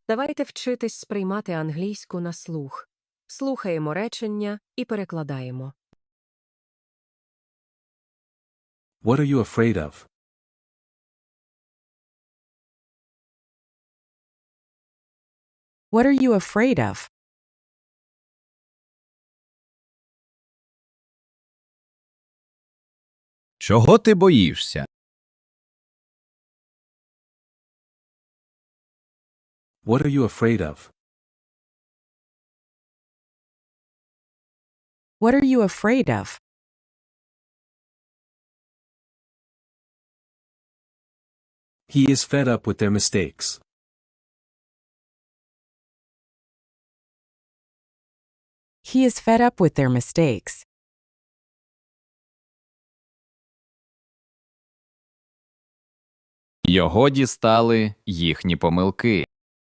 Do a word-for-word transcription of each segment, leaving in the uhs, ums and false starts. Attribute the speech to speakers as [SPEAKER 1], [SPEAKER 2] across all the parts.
[SPEAKER 1] Давайте вчитись сприймати англійську на слух. Слухаємо речення і перекладаємо.
[SPEAKER 2] What are you afraid of?
[SPEAKER 3] What are you afraid of?
[SPEAKER 4] Чого ти боїшся?
[SPEAKER 2] What are you afraid of?
[SPEAKER 3] What are you afraid of?
[SPEAKER 2] He is fed up with their mistakes.
[SPEAKER 3] He is fed up with their mistakes.
[SPEAKER 4] Його дістали їхні помилки.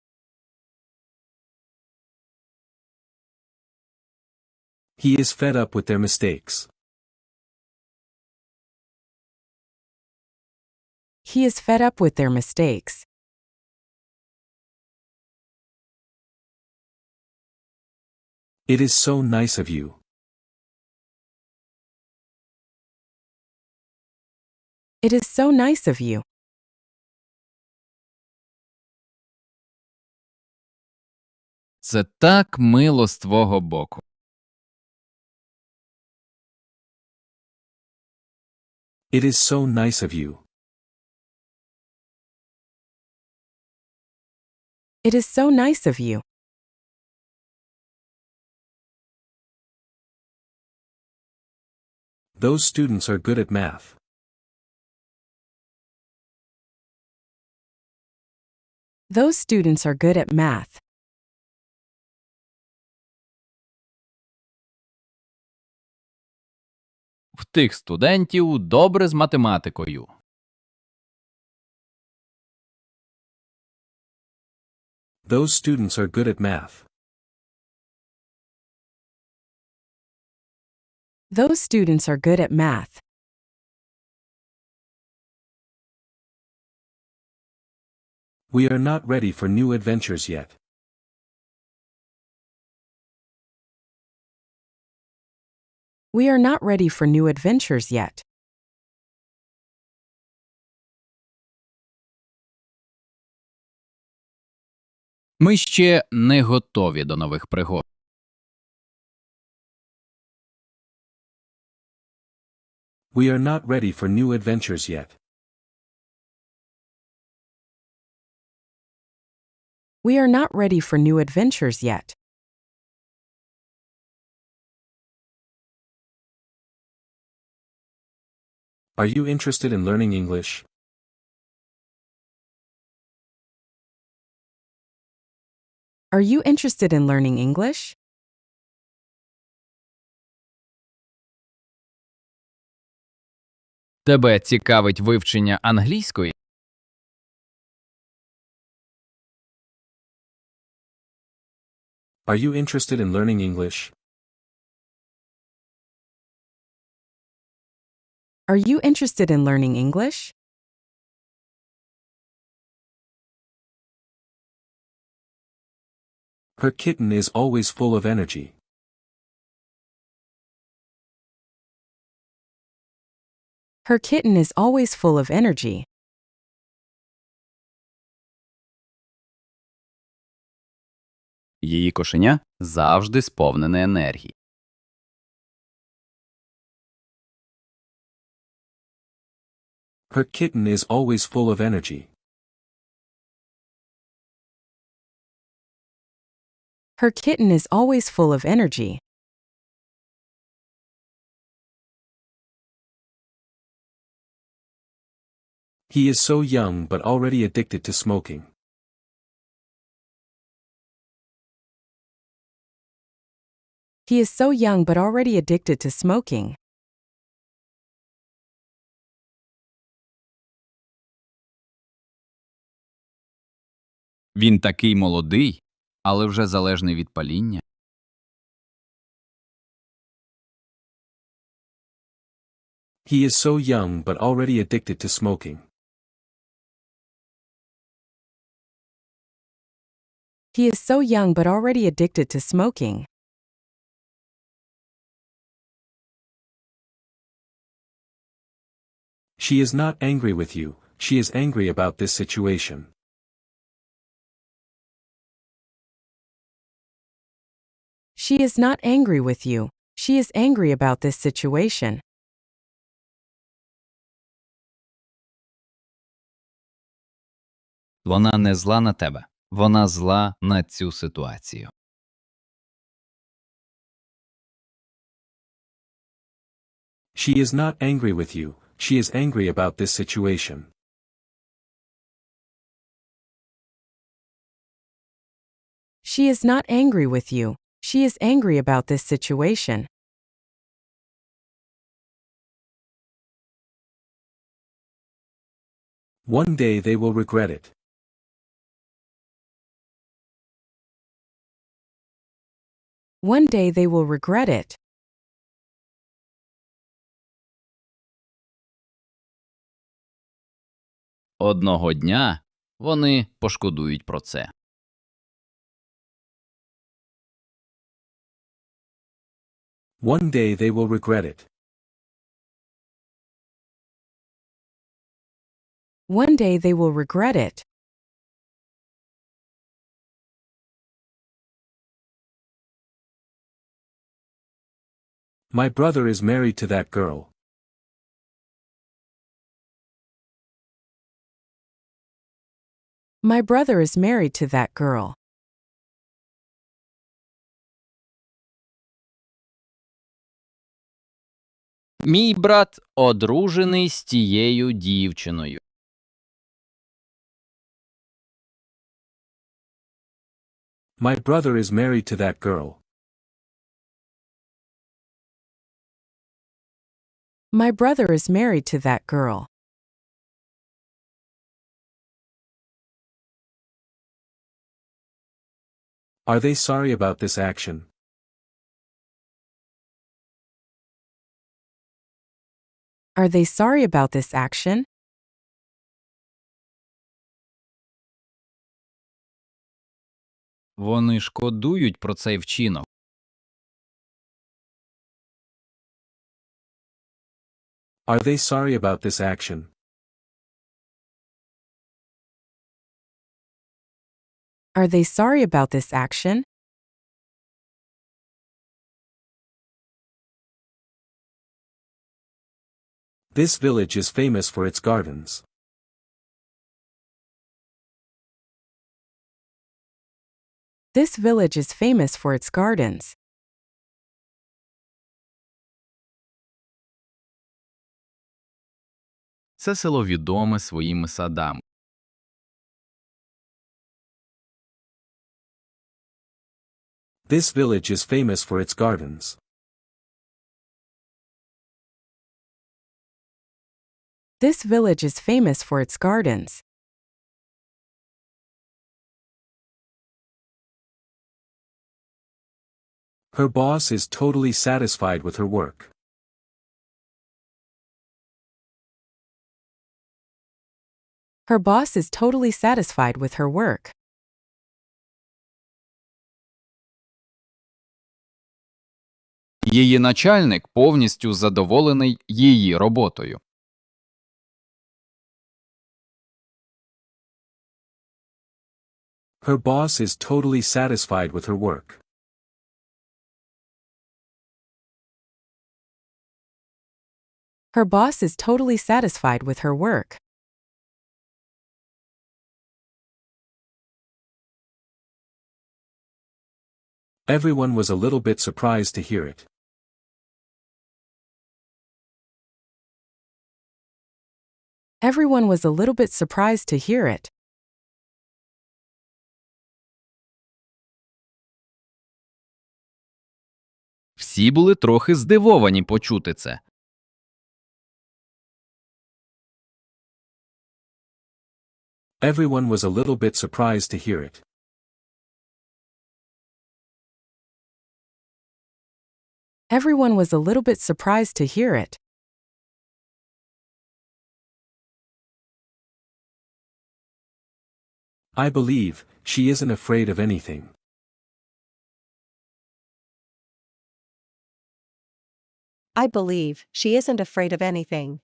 [SPEAKER 2] He is fed up with their mistakes.
[SPEAKER 3] He is fed up with their mistakes.
[SPEAKER 2] It is so nice of you.
[SPEAKER 3] It is so nice of you.
[SPEAKER 4] Це так мило з твого боку.
[SPEAKER 2] It is so nice of you.
[SPEAKER 3] It is so nice of you.
[SPEAKER 2] Those students are good at math.
[SPEAKER 3] Those students are good at math.
[SPEAKER 4] В тих студентів добре з математикою.
[SPEAKER 2] Those students are good at math.
[SPEAKER 3] Those students are good at math.
[SPEAKER 2] We are not ready for new adventures yet.
[SPEAKER 3] We are not ready for new adventures yet.
[SPEAKER 4] Ми ще не готові до нових пригод.
[SPEAKER 2] We are not ready for new adventures yet.
[SPEAKER 3] We are not ready for new adventures yet.
[SPEAKER 2] Are you interested in learning English?
[SPEAKER 3] Are you interested in learning English?
[SPEAKER 4] Тебе цікавить вивчення англійської?
[SPEAKER 2] Are you interested in learning English?
[SPEAKER 3] Are you interested in learning English?
[SPEAKER 2] Her kitten is always full of energy.
[SPEAKER 3] Her kitten is always full of energy.
[SPEAKER 4] Її кошеня завжди сповнене енергії.
[SPEAKER 2] Her kitten is always full of energy.
[SPEAKER 3] Her kitten is always full of energy.
[SPEAKER 2] He is so young but already addicted to smoking.
[SPEAKER 3] He is so young but already addicted to smoking.
[SPEAKER 4] Він такий молодий, але вже залежний від паління.
[SPEAKER 2] He is so young but already addicted to smoking.
[SPEAKER 3] He is so young but already addicted to smoking.
[SPEAKER 2] She is not angry with you, she is angry about this situation.
[SPEAKER 3] She is not angry with you. She is angry about this situation.
[SPEAKER 4] Вона не зла на тебе. Вона зла на цю ситуацію.
[SPEAKER 2] She is not angry with you, she is angry about this situation.
[SPEAKER 3] She is not angry with you. She is angry about this situation.
[SPEAKER 2] One day they will regret it.
[SPEAKER 3] One day they will regret it.
[SPEAKER 4] Одного дня вони пошкодують про це.
[SPEAKER 2] One day they will regret it.
[SPEAKER 3] One day they will regret it.
[SPEAKER 2] My brother is married to that girl.
[SPEAKER 3] My brother is married to that girl.
[SPEAKER 4] Мій брат одружений з тією дівчиною.
[SPEAKER 2] My brother is married to that girl.
[SPEAKER 3] My brother is married to that girl.
[SPEAKER 2] Are they sorry about this action?
[SPEAKER 3] Are they sorry about this action?
[SPEAKER 4] Вони шкодують про цей вчинок.
[SPEAKER 2] Are they sorry about this action?
[SPEAKER 3] Are they sorry about this action?
[SPEAKER 2] This village is famous for its gardens.
[SPEAKER 3] This village is famous for its gardens.
[SPEAKER 4] Це село відоме своїми садами.
[SPEAKER 2] This village is famous for its gardens.
[SPEAKER 3] This village is famous for its gardens.
[SPEAKER 2] Her boss is totally satisfied with her work.
[SPEAKER 3] Her boss is totally satisfied with her work.
[SPEAKER 4] Її начальник повністю задоволений її роботою.
[SPEAKER 2] Her boss is totally satisfied with her work.
[SPEAKER 3] Her boss is totally satisfied with her work.
[SPEAKER 2] Everyone was a little bit surprised to hear it.
[SPEAKER 3] Everyone was a little bit surprised to hear it.
[SPEAKER 4] Всі були трохи здивовані почути це.
[SPEAKER 2] Everyone was a little bit surprised to hear it.
[SPEAKER 3] Everyone was a little bit surprised to hear it.
[SPEAKER 2] I believe, she isn't afraid of anything.
[SPEAKER 5] I believe she isn't afraid of anything.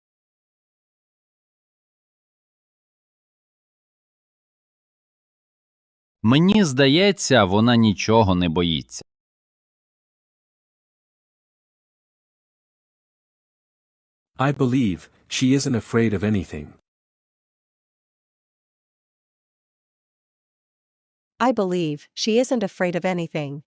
[SPEAKER 4] Мені здається, вона нічого не боїться.
[SPEAKER 2] I believe she isn't afraid of anything.
[SPEAKER 5] I believe she isn't afraid of anything.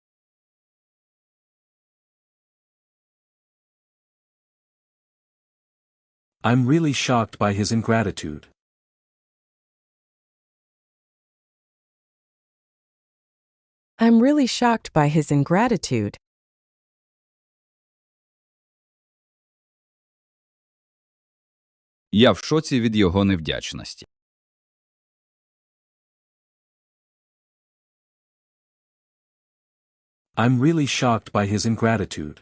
[SPEAKER 2] I'm really shocked by his ingratitude.
[SPEAKER 3] I'm really shocked by his ingratitude.
[SPEAKER 6] Я в шоці від його невдячності.
[SPEAKER 2] I'm really shocked by his ingratitude.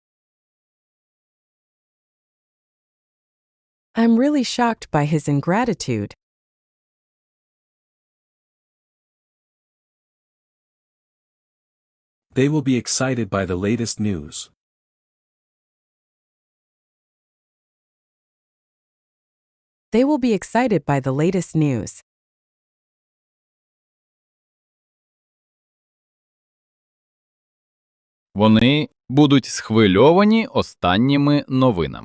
[SPEAKER 3] I'm really shocked by his ingratitude.
[SPEAKER 2] They will be excited by the latest news.
[SPEAKER 3] They will be excited by the latest news.
[SPEAKER 4] Вони будуть схвильовані останніми новинами.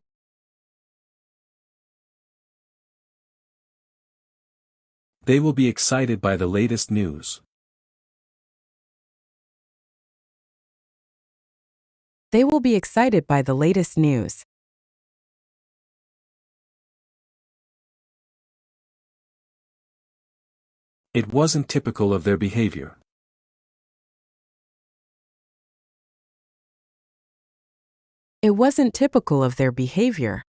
[SPEAKER 2] They will be excited by the latest news.
[SPEAKER 3] They will be excited by the latest news.
[SPEAKER 2] It wasn't typical of their behavior.
[SPEAKER 3] It wasn't typical of their behavior.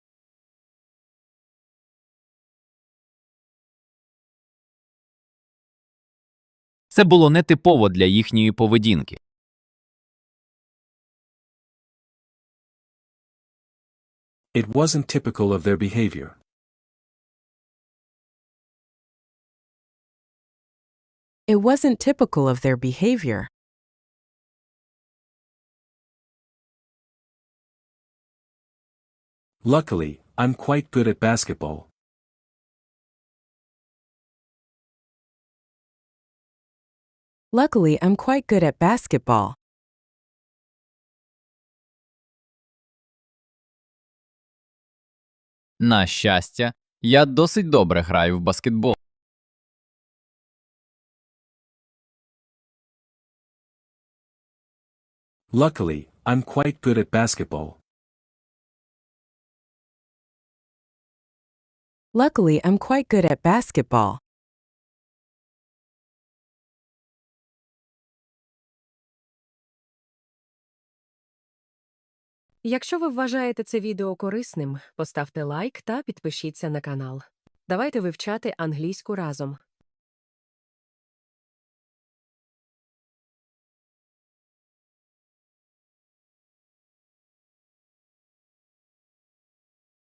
[SPEAKER 4] Це було нетипово для їхньої поведінки.
[SPEAKER 2] It wasn't typical of their behavior.
[SPEAKER 3] It wasn't typical of their behavior.
[SPEAKER 2] Luckily, I'm quite good at basketball.
[SPEAKER 3] Luckily, I'm quite good at basketball.
[SPEAKER 4] На щастя, я досить добре граю в баскетбол.
[SPEAKER 2] Luckily, I'm quite good at basketball.
[SPEAKER 3] Luckily, I'm quite good at basketball.
[SPEAKER 1] Якщо ви вважаєте це відео корисним, поставте лайк та підпишіться на канал. Давайте вивчати англійську разом.